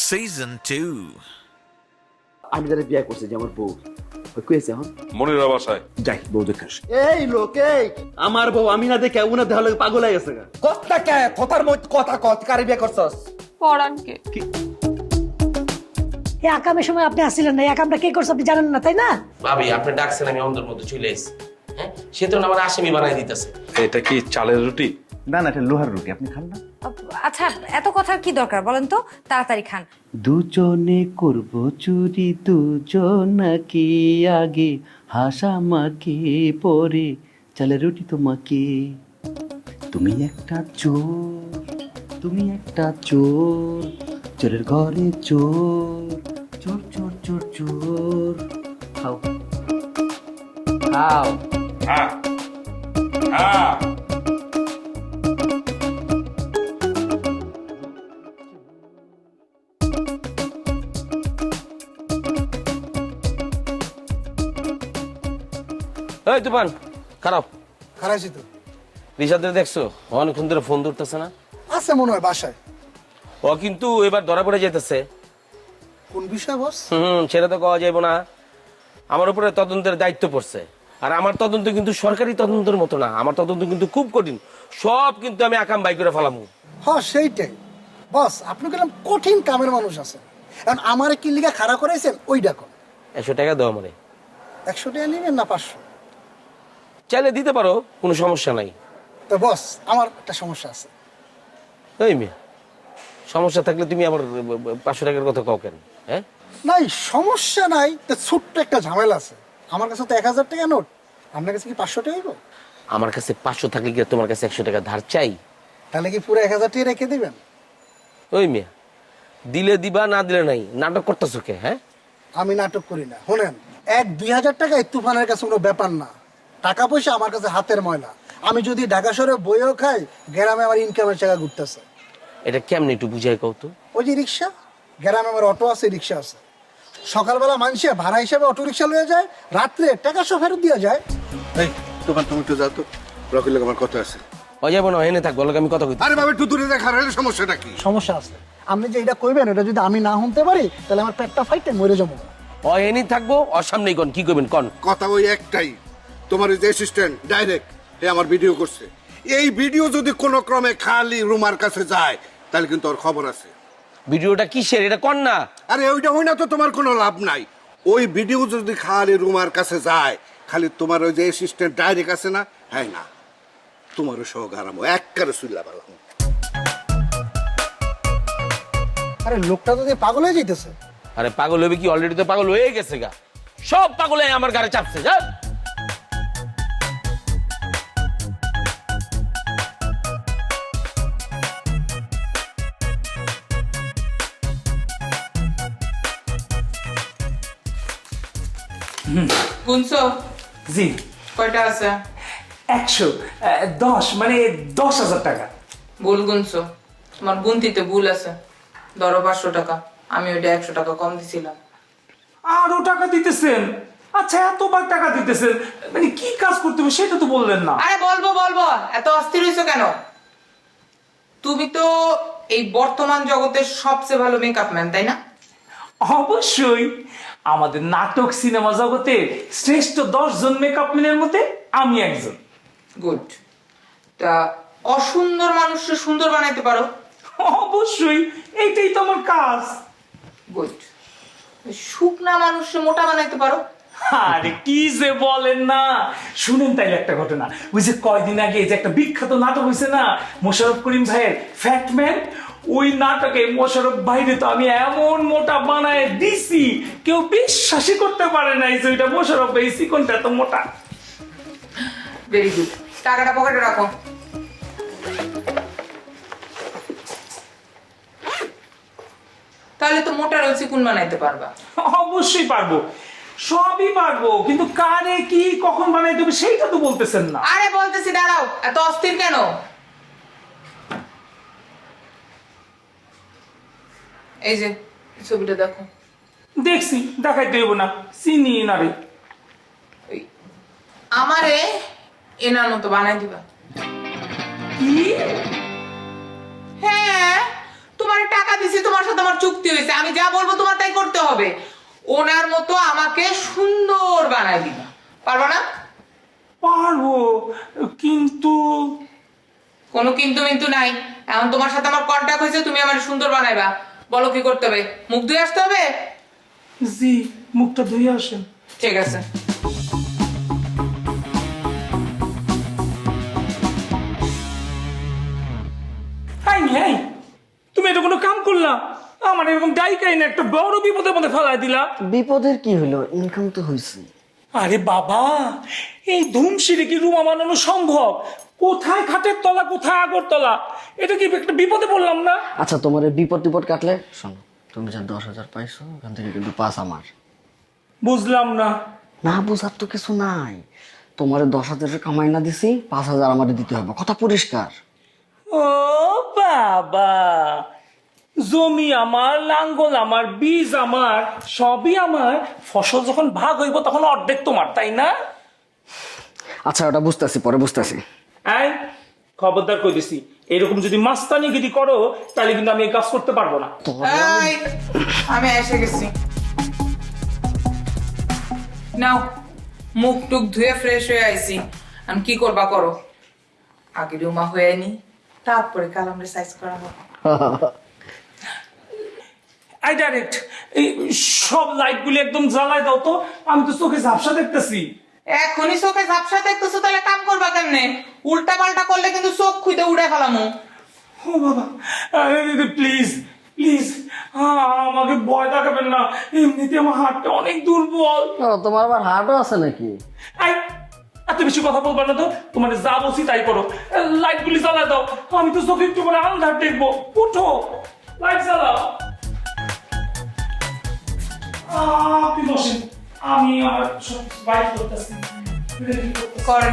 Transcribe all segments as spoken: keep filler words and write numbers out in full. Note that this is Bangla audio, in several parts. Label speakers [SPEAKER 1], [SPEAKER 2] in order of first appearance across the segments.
[SPEAKER 1] Season two.
[SPEAKER 2] আমি যারা বিয়ে করছি যে আমার বউ ওই কইছে এখন
[SPEAKER 3] মনিরা বাসায়
[SPEAKER 2] যাই বউ দেখে আসি।
[SPEAKER 4] এই লোক এই আমার বউ আমি না দেখে উনা দেহ লাগে পাগল হয়ে গেছে কথা কে কথার মধ্যে কথা কত কারে বিয়ে করছস
[SPEAKER 5] পরানকে
[SPEAKER 6] এই আকামের সময় আপনি আসছিলেন না, এই আকামটা কে করছে আপনি জানেন না, তাই না?
[SPEAKER 7] ভাবি আপনি ডাকছেন আমি অন্ধের মধ্যে চলে এসেছি। হ্যাঁ সে তো আমার আসামি বানাই দিতেছে।
[SPEAKER 3] এটা কি চালের রুটি?
[SPEAKER 2] না না এটা লোহার রুটি, আপনি খান না।
[SPEAKER 5] আচ্ছা এত কথার কি দরকার বলেন তো, তাড়াতাড়ি খান।
[SPEAKER 8] দুজনে করব চুরি দুজনাকে আগে হাসামাকে পরে চালে রুটি তোমাকে। তুমি একটা চোর, তুমি একটা চোর, চোরের ঘরে চোর, চোর চোর চোর চোর। খাও খাও।
[SPEAKER 3] হ্যাঁ হ্যাঁ
[SPEAKER 7] এই তুফান খারাপ
[SPEAKER 9] খারাইছি তো
[SPEAKER 7] রিশাদের দেখছো অনেকক্ষণ ধরে ফোন ধরতেছে না।
[SPEAKER 9] আছে মনে হয় বাসায়।
[SPEAKER 7] ও কিন্তু এবার ধরা পড়ে যেতেছে।
[SPEAKER 9] কোন বিষয় বস?
[SPEAKER 7] হুম সেটা তো কওয়া যাইব না। আমার উপরে তদন্তের দায়িত্ব পড়ছে, আর আমার তদন্ত কিন্তু সরকারি তদন্তের মতো না। আমার তদন্ত কিন্তু খুব কঠিন, সব কিন্তু আমি আকাম বাই করে ফেলামু।
[SPEAKER 9] হ্যাঁ সেইটাই বস, আপনি কিরকম কঠিন কামের মানুষ আছেন। এখন আমার কি লিগা খাড়া করাইছেন ওই ডাকো।
[SPEAKER 7] একশো টাকা দাও আমারে।
[SPEAKER 9] একশো টাকা নেবেন না পাঁচশো?
[SPEAKER 7] চাইলে দিতে পারো, কোনো সমস্যা নাই।
[SPEAKER 9] তো বস আমার একটা সমস্যা আছে।
[SPEAKER 7] এই মেয়ে সমস্যা থাকলে তুমি আবার পাঁচশো টাকার কথা কও কেন? হ্যাঁ
[SPEAKER 9] নাই সমস্যা নাই, তো ছোট্ট একটা ঝামেলা আছে। আমার কাছে তো এক হাজার টাকা নোট, আপনার কাছে কি পাঁচশো টাকা গো?
[SPEAKER 7] আমার কাছে পাঁচশো থাকলে কি তোমার কাছে একশো টাকা ধার চাই?
[SPEAKER 9] তাহলে কি পুরো এক হাজার টাকা রেখে দিবেন?
[SPEAKER 7] ওই মেয়ে দিলে দিবা, না দিলে নাই। নাটক করতেছো কে? হ্যাঁ
[SPEAKER 9] আমি নাটক করি না। শোনেন, এক দুই হাজার টাকা এই তুফানের কাছে কোনো ব্যাপার না। টাকা পয়সা আমার কাছে হাতের ময়লা। আমি যদি ঢাকা শহরে বইও খাই, গ্রামে আমার ইনকামের টাকা ঘুরতেছে।
[SPEAKER 7] এটা কেমনি একটু বুঝাই কও তো।
[SPEAKER 9] ওই যে রিক্সা, গ্রামে আমার অটো আছে, রিক্সা আছে। সকালবেলা মানুষে ভাড়া হিসেবে অটো রিক্সা লয়ে যায়, রাত্রে টাকা সব ফেরত দিয়ে যায়।
[SPEAKER 10] এই তোমার তুমি একটু যাও তো, রকির লোক আমার কথা আছে।
[SPEAKER 7] ও যাবো না, এনে থাক, বলো আমি কথা কই।
[SPEAKER 10] আরে বাবা একটু দূরে দেখা রইলে সমস্যাটা কি?
[SPEAKER 9] সমস্যা আছে। আপনি যে এটা কইবেন, এটা যদি আমি না শুনতে পারি তাহলে আমার পেটটা ফাইটে মরে যাবো।
[SPEAKER 7] ও এনি থাকবো, ওর সামনেই কন কি করবেন কন।
[SPEAKER 10] কথা ওই একটাই, তোমার ওই যে অ্যাসিস্ট্যান্ট ডাইরেক্ট এ আমার ভিডিও করছে। এই ভিডিও যদি কোনো ক্রমে খালি রুমার কাছে যায় তাহলে কিন্তু ওর খবর আছে।
[SPEAKER 7] ভিডিওটা কিসের এটা কন না।
[SPEAKER 10] আরে ওইটা হই না তো তোমার কোনো লাভ নাই। ওই ভিডিও যদি খালি রুমার কাছে যায়, খালি তোমার ওই যে অ্যাসিস্ট্যান্ট ডাইরেক্ট আছে না, হ্যাঁ না তোমারও সহ হারামো একবারে সুইলা পালাম।
[SPEAKER 9] আরে লোকটা তো পাগল হয়ে যাইতেছে।
[SPEAKER 7] আরে পাগল হবে কি, অলরেডি তো পাগল হয়ে গেছে গা। সব পাগলে আমার গাড়ি চাপছে। যা
[SPEAKER 11] গুনছো?
[SPEAKER 8] জি
[SPEAKER 11] কয়টা আছে?
[SPEAKER 8] একশো আহ, দশ মানে দশ হাজার টাকা।
[SPEAKER 11] ভুল গুনছো, তোমার গুনতিতে ভুল আছে। ধরো পাঁচশো টাকা, আমি ওইটা একশো টাকা কম দিছিলাম।
[SPEAKER 8] আরো টাকা দিতেছেন? আচ্ছা এতবার টাকা দিতেছেন, মানে কি কাজ করতে হবে সেটা তো বললেন না।
[SPEAKER 11] আরে বলবো বলবো, এত অস্থির হইছো কেন? তুমি তো এই বর্তমান জগতের সবচেয়ে ভালো মেকআপ ম্যান, তাই না?
[SPEAKER 8] অবশ্যই, আমাদের নাটক সিনেমা জগতে শ্রেষ্ঠ দশ জন মেকআপ ম্যানের মধ্যে আমি একজন।
[SPEAKER 11] গুড। তা অসুন্দর মানুষকে সুন্দর বানাইতে পারো?
[SPEAKER 8] অবশ্যই, এইটাই তো আমার কাজ।
[SPEAKER 11] গুড। শুকনা মানুষকে মোটা বানাইতে পারো?
[SPEAKER 8] আরে কি যে বলেন না, শুনেন তাইলে একটা ঘটনা। ওই যে কয়দিন আগে যে একটা বিখ্যাত নাটক হয়েছে না মোশাররফ করিম ভাইয়ের ফ্যাটম্যান, ওই নাটকে মোশাররফ ভাইরে তো আমি এমন মোটা বানায় দিছি কেউ বিশ্বাসই করতে পারে নাই যে ওইটা মোশাররফ ভাই চিকনটা এত মোটা।
[SPEAKER 11] Very good. টাকাটা পকেটে রাখো। তাহলে তো মোটা রয়েছে কোন বানাইতে পারবা?
[SPEAKER 8] অবশ্যই পারবো, সবই পারবো, কিন্তু কারে কি কখন বানাইতে হবে সেইটা তো বলতেছেন না।
[SPEAKER 11] আরে বলতেছি, দাঁড়াও, এত অস্থির কেন? এই যে ছবিটা দেখো।
[SPEAKER 8] দেখছি, দেখাইতে হইব না, চিনি না রে।
[SPEAKER 11] আমারে এনার মতো বানাই দিবা।
[SPEAKER 8] কি?
[SPEAKER 11] হ্যাঁ, তোমার টাকা দিছি, তোমার সাথে আমার চুক্তি হয়েছে, আমি যা বলবো তোমার তাই করতে হবে। ওনার মতো আমাকে সুন্দর বানায় দিবা, পারবা না?
[SPEAKER 8] পারবো, কিন্তু
[SPEAKER 11] কোনো কিন্তু কিন্তু নাই। এখন তোমার সাথে আমার কন্ট্যাক্ট হয়েছে, তুমি আমার সুন্দর বানাইবা। বলো কি করতে হবে? মুখ ধুয়ে আসতে হবে?
[SPEAKER 8] জি, মুখটা ধুয়ে আসেন।
[SPEAKER 11] ঠিক আছে।
[SPEAKER 8] হাই হাই, তুমি এটা কোনো কাম করলা? আমার এরকম ডাইকাই না একটা বড় বিপদের মধ্যে ফেলাই দিলা।
[SPEAKER 2] বিপদের কি হলো, ইনকাম তো হয়েছে।
[SPEAKER 8] আরে বাবা, এই ধুমশিরে কি রুমা বানানো সম্ভব? কোথায় খাটের তলা, কোথায় আগর তলা? এটা কি একটা বিপদে পড়লাম না?
[SPEAKER 2] আচ্ছা, তোমার এই বিপদ টিপদ কাটলে শোনো, তুমি যা দশ হাজার পাইছো ওখান থেকে কিন্তু পাঁচ আমার।
[SPEAKER 8] বুঝলাম না।
[SPEAKER 2] না বুঝার তো কিছু নাই, তোমার দশ হাজারের কামাই না দিছি, পাঁচ হাজার আমার দিতে হবে, কথা পরিষ্কার।
[SPEAKER 8] ও বাবা, জমি আমার, লাঙ্গল আমার, বীজ আমার, সবই আমার। ফসল যখন ভাগ হইব তখন অর্ধেক তোমার, তাই না?
[SPEAKER 2] আচ্ছা, ওটা বুঝতেছি, পরে বুঝতেছি।
[SPEAKER 8] এই, খবরদার কই দিছি, এরকম যদি মাস্তানিগিরি করো তাহলে কিন্তু আমি এই কাজ করতে পারবো না।
[SPEAKER 11] এই, আমি এসে গেছি। নাও, মুখ টুক ধুয়ে ফ্রেশ হয়ে আইছি। আমি কি করবা করো, আগে রুমা হয়ে নি, তারপরে কাল আমরা সাইজ করা হবে।
[SPEAKER 8] আই ডাইরেক্ট এই সব লাইটগুলি একদম জ্বালায় দাও তো, আমি তো চোখে ঝাপসা দেখতেছি।
[SPEAKER 11] এখনই চোখে ঝাপসা দেখতেছো, তাহলে কাম করবা কেমনে? উল্টা পাল্টা করলে কিন্তু চোখ খুঁজে উড়ে ফেলামো।
[SPEAKER 8] ও বাবা, প্লিজ প্লিজ আমাকে ভয় দেখাবেন না, এমনিতে আমার হাতটা অনেক দুর্বল।
[SPEAKER 2] ও, তোমার আবার হার্টও আছে নাকি?
[SPEAKER 8] আই, এত বেশি কথা বলবা না তো, তোমার যা বলছি তাই করো। লাইটগুলি জ্বালায় দাও, আমি তো চোখে একটু করে আন্ধার দেখবো। উঠো, লাইট জ্বালাও। আহ, আপনি বসেন, আমি আমার সব বাইক করতেছি।
[SPEAKER 11] করেন।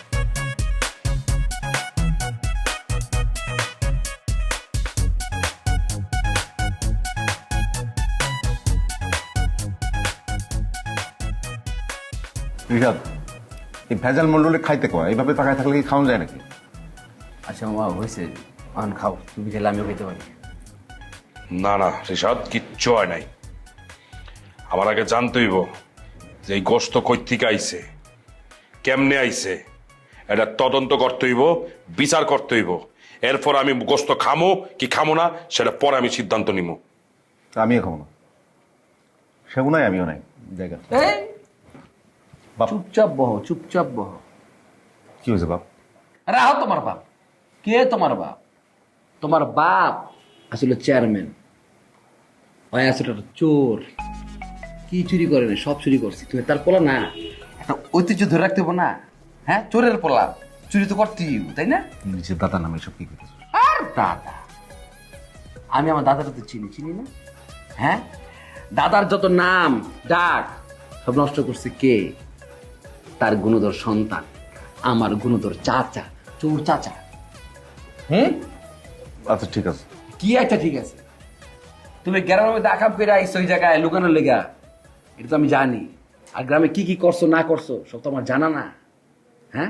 [SPEAKER 1] রিশাদ, এই ভেজাল মন্ডলে খাইতে কয়, এইভাবে তাকায় থাকলে কি খাওয়া যায় নাকি?
[SPEAKER 2] আচ্ছা মামা, হয়েছে, আন খাও, তুমি খেলে আমিও খেতে পারি।
[SPEAKER 3] না না রিশাদ, কিচ্ছু হয় নাই। আমার আগে জানতে হইব যে এই গোস্ত কই থেকে আইছে, কেমনে আইছে, এটা তদন্ত করতে হইব, বিচার করতে হইব। এরপর আমি গোস্ত খামো কি খামো না সেটা পরে আমি সিদ্ধান্ত নিব।
[SPEAKER 1] আমিও খাবো না, সেও নাই আমিও নাই জায়গা। বাপ,
[SPEAKER 2] চুপচাপ বহ, চুপচাপ বহ।
[SPEAKER 1] কি হয়েছে বাপ?
[SPEAKER 2] রাহো, তোমার বাপ কে? তোমার বাপ তোমার বাপ আসলে চেয়ারম্যান, হয় আসলে একটা চোর। কি চুরি করে না, সব চুরি করছি। তুমি তার পোলা না, একটা ঐতিহ্য ধরে রাখতে হবে না? হ্যাঁ, চোরের পোলা, চুরি তো করতেই, তাই না?
[SPEAKER 1] নিজের দাদা নামে সব কি করতেছ?
[SPEAKER 2] আর দাদা, আমি আমার দাদাটা তো চিনি চিনি না? হ্যাঁ, দাদার যত নাম ডাক সব নষ্ট করছে কে? তার গুণধর সন্তান, আমার গুণধর চাচা, চোর চাচা। হুম,
[SPEAKER 1] আচ্ছা ঠিক আছে।
[SPEAKER 2] কি একটা ঠিক আছে? তুমি গ্রামের মধ্যে আকাম করে আইসো ওই জায়গায় লুকানোর লেগা, এটা তো আমি জানি। আর গ্রামে কি কি করছো না করছো সব তো আমার জানা না। হ্যাঁ,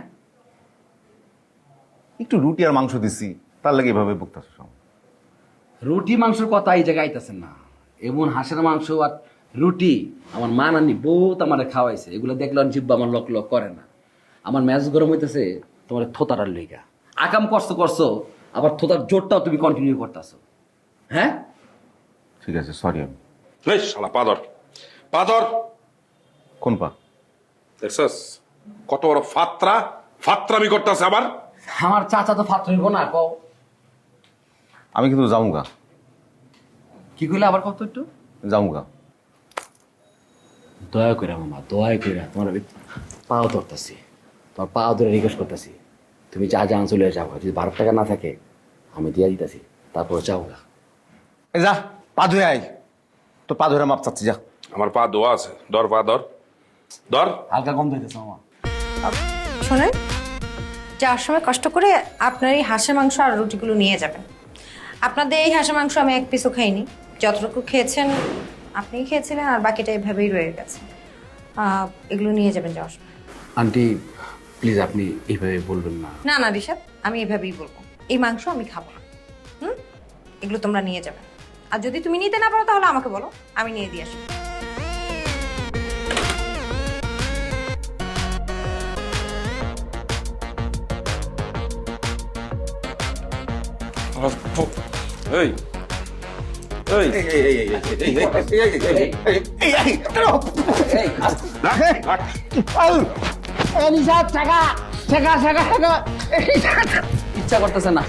[SPEAKER 1] একটু রুটি আর মাংস দিছি, তার লাগে এভাবে বকতেছ।
[SPEAKER 2] রুটি মাংসের কথা এই জায়গায় আইতাছেন না। এমন হাঁসের মাংস আর রুটি আমার মা নানি বহুত আমার খাওয়াইছে, এগুলো দেখলে জিব্বা আমার লক লক করে না। আমার ম্যাচ গরম হইতেছে তোমার থোতাটার লইগা। আকাম করছো করছো, আবার থোতার জোরটাও তুমি কন্টিনিউ করতেছো। হ্যাঁ
[SPEAKER 1] ঠিক আছে, সরি। আমি
[SPEAKER 3] এই শালা পাদর, পাদর
[SPEAKER 1] কোন পা?
[SPEAKER 3] দেখছস কত বড় ফাত্রা, ফাত্রামি করতেছে আবার।
[SPEAKER 2] আমার চাচা তো ফাত্র হইব না, কও।
[SPEAKER 1] আমি কিন্তু যাউঙ্গা।
[SPEAKER 2] কি কইলে আবার কত একটু?
[SPEAKER 1] যাউঙ্গা।
[SPEAKER 2] দয়া করে মামা, দয়া করে তোমার পাও ধরতেছি, তোমার পাও ধরে রিকোয়েস্ট করতেছি, তুমি যা যা চলে যাও। যদি বারো টাকা না থাকে আমি দিয়ে দিতেছি, তারপর যাও গা।
[SPEAKER 1] এই যা, পা ধুয়ে আয়। তো পা ধরে মাপ চাচ্ছি, যা।
[SPEAKER 3] আমার পা দোয়া আছে, ধর পা ধর, ধর।
[SPEAKER 2] হালকা কম ধরতেছে মামা।
[SPEAKER 5] শোনেন, যাওয়ার সময় কষ্ট করে আপনার এই হাঁসের মাংস আর রুটিগুলো নিয়ে যাবেন। আপনাদের এই হাঁসের মাংস আমি এক পিসও খাইনি, যতটুকু খেয়েছেন আপনি খেয়েছিলেন, আর বাকিটা এভাবেই রয়ে গেছে। আহ, এগুলো নিয়ে যাবেন যাওয়ার সময়।
[SPEAKER 2] আন্টি প্লিজ, আপনি এইভাবে বলবেন না।
[SPEAKER 5] না না ঋষাদ, আমি এভাবেই বলবো, এই মাংস আমি খাবো না। হুম, এগুলো তোমরা নিয়ে যাবে। আর যদি তুমি নিতে না পারো তাহলে আমাকে বলো, আমি নিয়ে দিয়ে আসবো।
[SPEAKER 3] এই এই
[SPEAKER 2] ইচ্ছা করতেছে না।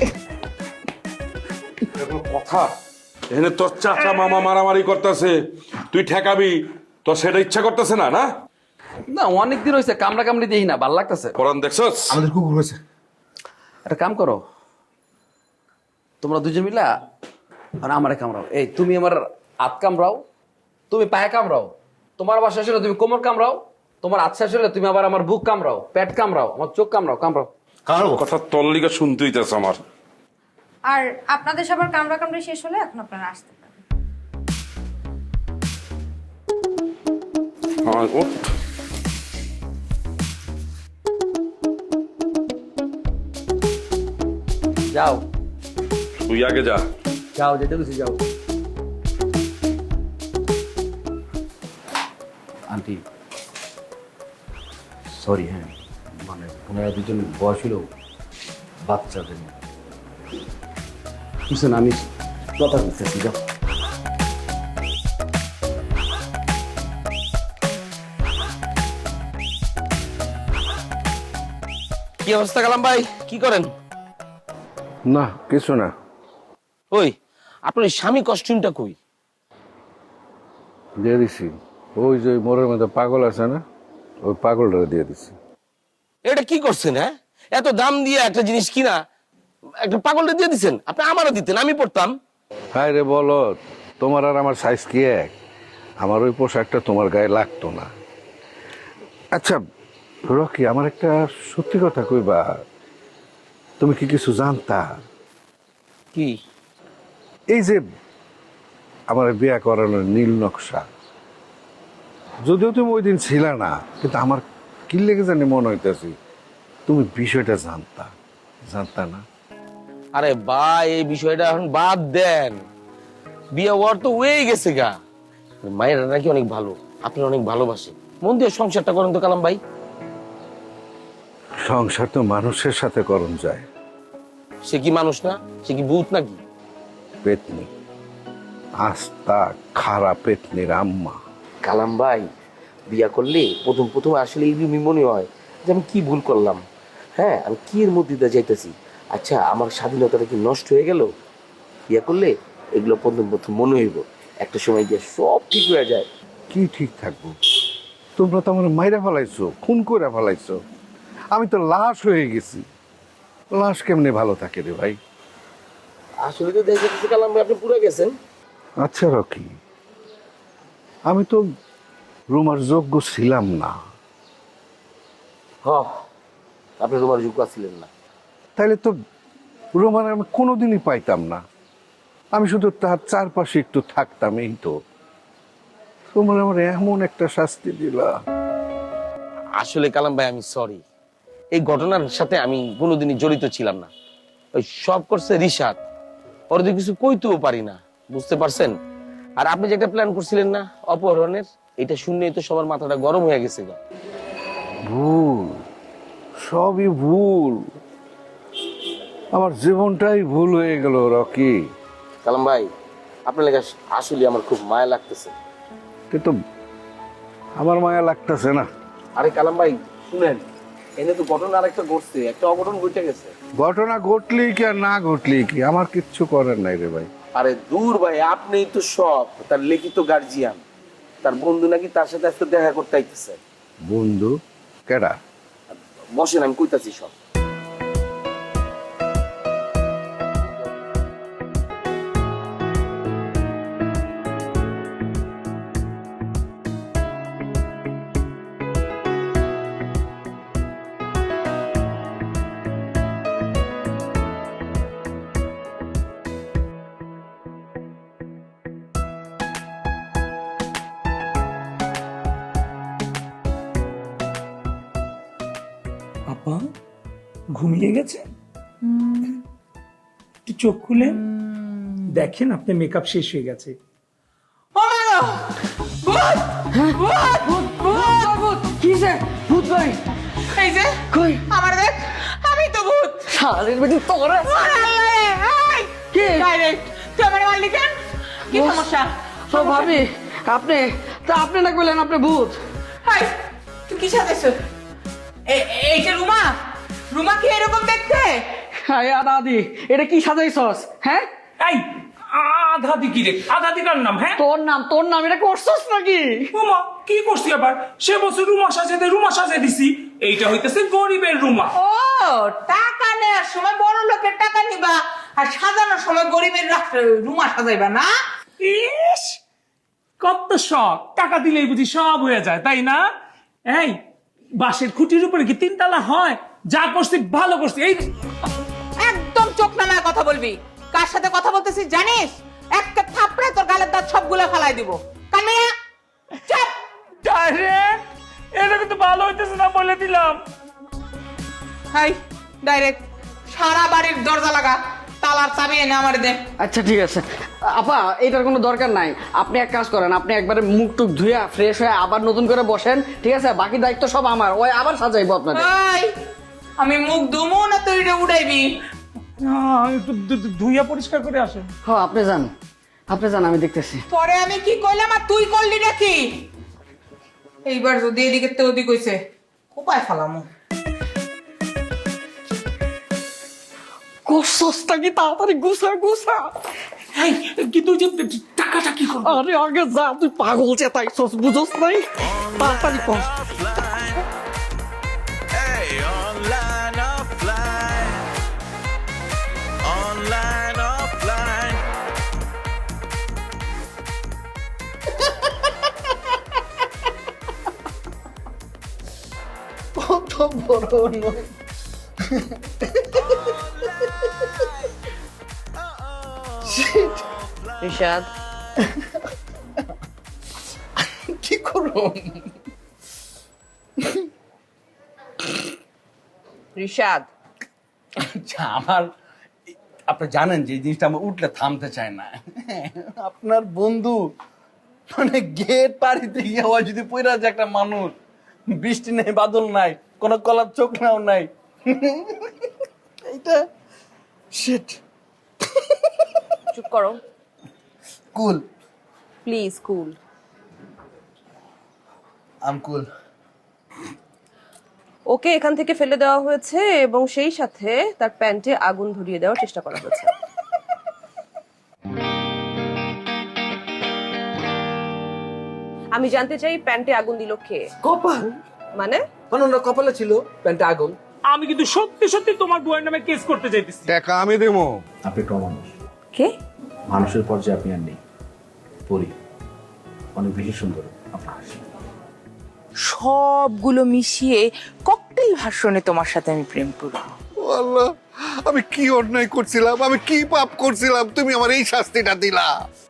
[SPEAKER 3] কথা এখানে তোর চাচা মামা মারামারি করতেছে, তুই ঠেকাবি, তোর সেটা ইচ্ছা করতেছে না? না
[SPEAKER 2] না, অনেকদিন হয়েছে কামড়া কামড়ি দিই না, ভালো লাগতেছে।
[SPEAKER 3] কোরআন দেখছস?
[SPEAKER 1] আমাদের কুকুর হয়েছে।
[SPEAKER 2] একটা কাম করো, তোমরা দুজন মিলা আর আমারে কামড়াও। এই তুমি আমার হাত কামড়াও, তুমি পায়ে কামড়াও, তোমার আবার শেষ হলে তুমি কোমর কামড়াও, তোমার হাত শেষ হলে তুমি আবার আমার বুক কামড়াও, পেট কামড়াও, আমার চোখ কামড়াও, কামড়াও।
[SPEAKER 3] কথা তোর লিগে শুনতে হইতেছে আমার।
[SPEAKER 5] আর আপনাদের সবার কামড়া কামড়ি শেষ হলে এখন আপনারা আসতে পারেন।
[SPEAKER 3] হ্যাঁ, ওঠ।
[SPEAKER 2] যাও
[SPEAKER 3] তুই আগে যা।
[SPEAKER 2] যাও, যেতে গেছি, যাও। আন্টি সরি, হ্যাঁ মানে ওনারা দুজন বয়স হলো বাচ্চাদের মতো। কিছু না, আমি কথা বলতেছি, যাও।
[SPEAKER 7] কি অবস্থা কালাম ভাই, কি করেন?
[SPEAKER 10] না কিছু না।
[SPEAKER 7] ওই আপনার স্বামী কস্টিউমটা কই?
[SPEAKER 10] দিয়ে দিছি, ওই যে মোড়ের মধ্যে পাগল আছে না, ওই পাগলটা দিয়ে দিছি।
[SPEAKER 7] এটা কি করছেন? হ্যাঁ, এত দাম দিয়ে একটা জিনিস কিনা একটা পাগলটা দিয়ে দিচ্ছেন। আপনি আমারও দিতেন, আমি পড়তাম।
[SPEAKER 10] হায় রে বলো, তোমার আর আমার সাইজ কি এক? আমার ওই পোশাকটা তোমার গায়ে লাগতো না। আচ্ছা রকি, আমার একটা সত্যি কথা কইবা, তুমি কি কিছু জানতা?
[SPEAKER 7] কি?
[SPEAKER 10] এই যে আমার বিয়ে করানোর নীল নকশা, যদিও তুমি ওই দিন ছিল না, কিন্তু আমার কি লেগে জানি মনে হইতেছি তুমি বিষয়টা জানতা। জানতা না?
[SPEAKER 7] আরে ভাই, এই বিষয়টা এখন বাদ দেন, বিয়ে হওয়ার তো হয়ে গেছে গা। মায়ের নাকি অনেক ভালো, আপনি অনেক ভালোবাসে, মন দিয়ে সংসারটা করেন তো কালাম ভাই।
[SPEAKER 10] সংসার তো মানুষের সাথে করণ যায়।
[SPEAKER 7] সে কি মানুষ না? সে কি ভূত নাকি?
[SPEAKER 10] পেতনি, আস্তা খারাপ পেতনির আম্মা।
[SPEAKER 7] কালাম ভাই, বিয়া করলে প্রথম প্রথম আসলে এইরকমই মনে হয় যে আমি কি ভুল করলাম, হ্যাঁ আমি কি এর মধ্যে দিয়ে যাইতেছি। আচ্ছা, আমার স্বাধীনতাটা কি নষ্ট হয়ে গেল? বিয়া করলে এগুলো প্রথম প্রথম মনে হইব, একটা সময় গিয়ে সব ঠিক হয়ে যায়।
[SPEAKER 10] কি ঠিক থাকবো? তোমরা তো আমার মাইরা ফেলাইছো, খুন করে ফেলাইছো, আমি তো লাশ হয়ে গেছি। লাশ কেমনে ভালো থাকে রে ভাই?
[SPEAKER 7] আসলে তো দেখে কিছু কালাম ভাই আপনি পুরো গেছেন।
[SPEAKER 10] আচ্ছা রকি, আমি তো রুমার যোগ্য ছিলাম না।
[SPEAKER 7] হ, আপনি তোমার যোগ্য ছিলেন না।
[SPEAKER 10] তাইলে তো রোমান আমি কোনোদিনই পাইতাম না। আমি শুধু তার চারপাশে একটু থাকতাম, এই তো। তোমার আমার এমন একটা শাস্তি দিলা।
[SPEAKER 7] আসলে কালাম ভাই আমি সরি, এই ঘটনার সাথে আমি কোনোদিনই জড়িত ছিলাম না। ওই সব করছে রিশাদ, ওর তো কিছু কইতেও পারি না, বুঝতে পারছেন? আর আপনি যে একটা প্ল্যান করছিলেন না অপহরণের, এটা শুনলেই তো সবার মাথাটা গরম হয়ে গেছে গা।
[SPEAKER 10] ভুল, সবই ভুল। আমার জীবনটাই ভুল হয়ে গেল রকি।
[SPEAKER 7] কালাম ভাই, আপনার লেগে আসলে আমার খুব মায়া লাগতেছে।
[SPEAKER 10] কিন্তু আমার মায়া লাগতেছে না।
[SPEAKER 7] আরে কালাম ভাই শুনেন, এনে তো ঘটনা আরেকটা ঘটছে, একটা অঘটন ঘটে গেছে।
[SPEAKER 10] ঘটনা ঘটলেই কি আর না ঘটলেই কি, আমার কিচ্ছু করার নাই রে ভাই।
[SPEAKER 7] আরে দূর ভাই, আপনিই তো সব। তার লিখিত গার্জিয়ান, তার বন্ধু নাকি তার সাথে আজকে দেখা করতে আইতেছে।
[SPEAKER 10] বন্ধু? কেডা?
[SPEAKER 7] বসেন, আমি কইতাছি সব।
[SPEAKER 8] আপা ঘুমিয়ে গেছে? একটু চোখ খুলে দেখেন আপনি মেকআপ শেষ হয়ে গেছে।
[SPEAKER 11] ও মা গো! ভূত! ভূত! ভূত! ভূত!
[SPEAKER 6] কিসে ভূত ভাই
[SPEAKER 11] এই যে
[SPEAKER 6] কই
[SPEAKER 11] আমার দেখ, আমি তো ভূত।
[SPEAKER 6] শালের বেটি তোরা
[SPEAKER 11] কে ডাইরেক্ট তুই আমার মারলি কেন? কি সমস্যা?
[SPEAKER 6] তো ভাবি আপনি তা আপনি না বললেন আপনি ভূত
[SPEAKER 11] হাই, তুই কি সাজাইছ? এইটা রুমা? রুমা কি এরকম দেখতে?
[SPEAKER 6] হ্যাঁ দাদি এটা কি সাজাইছস? হ্যাঁ
[SPEAKER 8] এই আধা দি কি রে? আধা দি কার নাম? হ্যাঁ
[SPEAKER 6] তোর নাম তোর নাম এটা করছস নাকি?
[SPEAKER 8] রুমা কি করছি আবার? সে বছর রুমা সাজাতে রুমা সাজাই দিছি। এইটা হইতেছে গরিবের রুমা।
[SPEAKER 11] ও, টাকা নেওয়ার সময় বড় লোকের টাকা নিবা আর সাজানোর সময় গরিবের রুমা সাজাইবা না?
[SPEAKER 8] ইস, কত শখ! টাকা দিলেই বুঝি সব হয়ে যায়, তাই না? এই বাঁশের খুঁটির উপরে কি তিনতলা হয়? যা করছি ভালো করছি। এই
[SPEAKER 11] একদম চোখ নামায় কথা বলবি। কার সাথে কথা বলতেছিস জানিস? একটা থাপড়ে তোর গালের দাঁত সবগুলো ফালাই দিব। কানিয়া চুপ!
[SPEAKER 8] ডাইরেক্ট এটা কিন্তু ভালো হইতেছে না, বলে দিলাম।
[SPEAKER 11] হাই, ডাইরেক্ট সারা বাড়ির দরজা লাগা, তালার চাবি এনে আমার দে।
[SPEAKER 6] আচ্ছা ঠিক আছে আপা, এটার কোনো দরকার নাই। আপনি এক কাজ করেন, আপনি একবারে মুখ টুক ধুইয়া ফ্রেশ হয়ে আবার নতুন করে বসেন, ঠিক আছে? বাকি দায়িত্ব সব আমার, ওই আবার সাজাইবো আপনাদের।
[SPEAKER 11] হাই, আমি মুখ ধুমু না তুই এটা উড়াইবি?
[SPEAKER 8] আহ, একটু ধু- ধু- ধুইয়া পরিষ্কার করে আসেন।
[SPEAKER 6] হ্যাঁ আপনি যান, আপনি যান, আমি দেখতেছি।
[SPEAKER 11] পরে আমি কি কইলাম আর তুই করলি নাকি? এইবার যদি এদিকে তো ওদিক হইছে কোপায় ফালামু।
[SPEAKER 6] কোসসটা কি তাড়াতাড়ি গুছা গুছা।
[SPEAKER 8] এই কিন্তু ওই যে টাকাটা কি করবো?
[SPEAKER 6] আরে আগে যা, তুই পাগল চেতাইছস, বুঝছস নাই? তাড়াতাড়ি কর।
[SPEAKER 9] কত বড় নয়।
[SPEAKER 11] রিশাদ,
[SPEAKER 9] কি করবো?
[SPEAKER 11] রিশাদ
[SPEAKER 4] আচ্ছা, আমার আপনি জানেন যে এই জিনিসটা আমার উঠলে থামতে চায় না। আপনার বন্ধু মানে গেট পাড়িতে গিয়ে হয় যদি পইরা যে একটা মানুষ, বৃষ্টি নেই বাদল নাই, কোনো কলার চোখ নাও নাই, এইটা শিট।
[SPEAKER 12] চুপ করো
[SPEAKER 9] কুল
[SPEAKER 12] প্লিজ, কুল।
[SPEAKER 9] আম কুল।
[SPEAKER 12] ওকে এখান থেকে ফেলে দেওয়া হয়েছে এবং সেই সাথে তার প্যান্টে আগুন ধরিয়ে দেওয়ার চেষ্টা করা হয়েছে। আমি জানতে চাই প্যান্টে আগুন দিল কে?
[SPEAKER 4] কপাল
[SPEAKER 12] মানে
[SPEAKER 4] মানে ওনার কপালে ছিল প্যান্টে আগুন।
[SPEAKER 8] আমি কিন্তু সত্যি সত্যি তোমার বউয়ের নামে কেস করতে চাইতেছি।
[SPEAKER 10] টাকা আমি দেবো।
[SPEAKER 2] আপনি একটু অমানুষ,
[SPEAKER 12] কে?
[SPEAKER 2] মানুষের পর্যায়ে আপনি আর নেই। পরি অনেক বেশি সুন্দর আপনার হাসি।
[SPEAKER 11] সবগুলো মিশিয়ে ককটেল ভার্সনে তোমার সাথে আমি প্রেম করব।
[SPEAKER 10] আল্লাহ, আমি কি অন্যায় করছিলাম, আমি কি পাপ করছিলাম, তুমি আমার এই শাস্তিটা দিলা।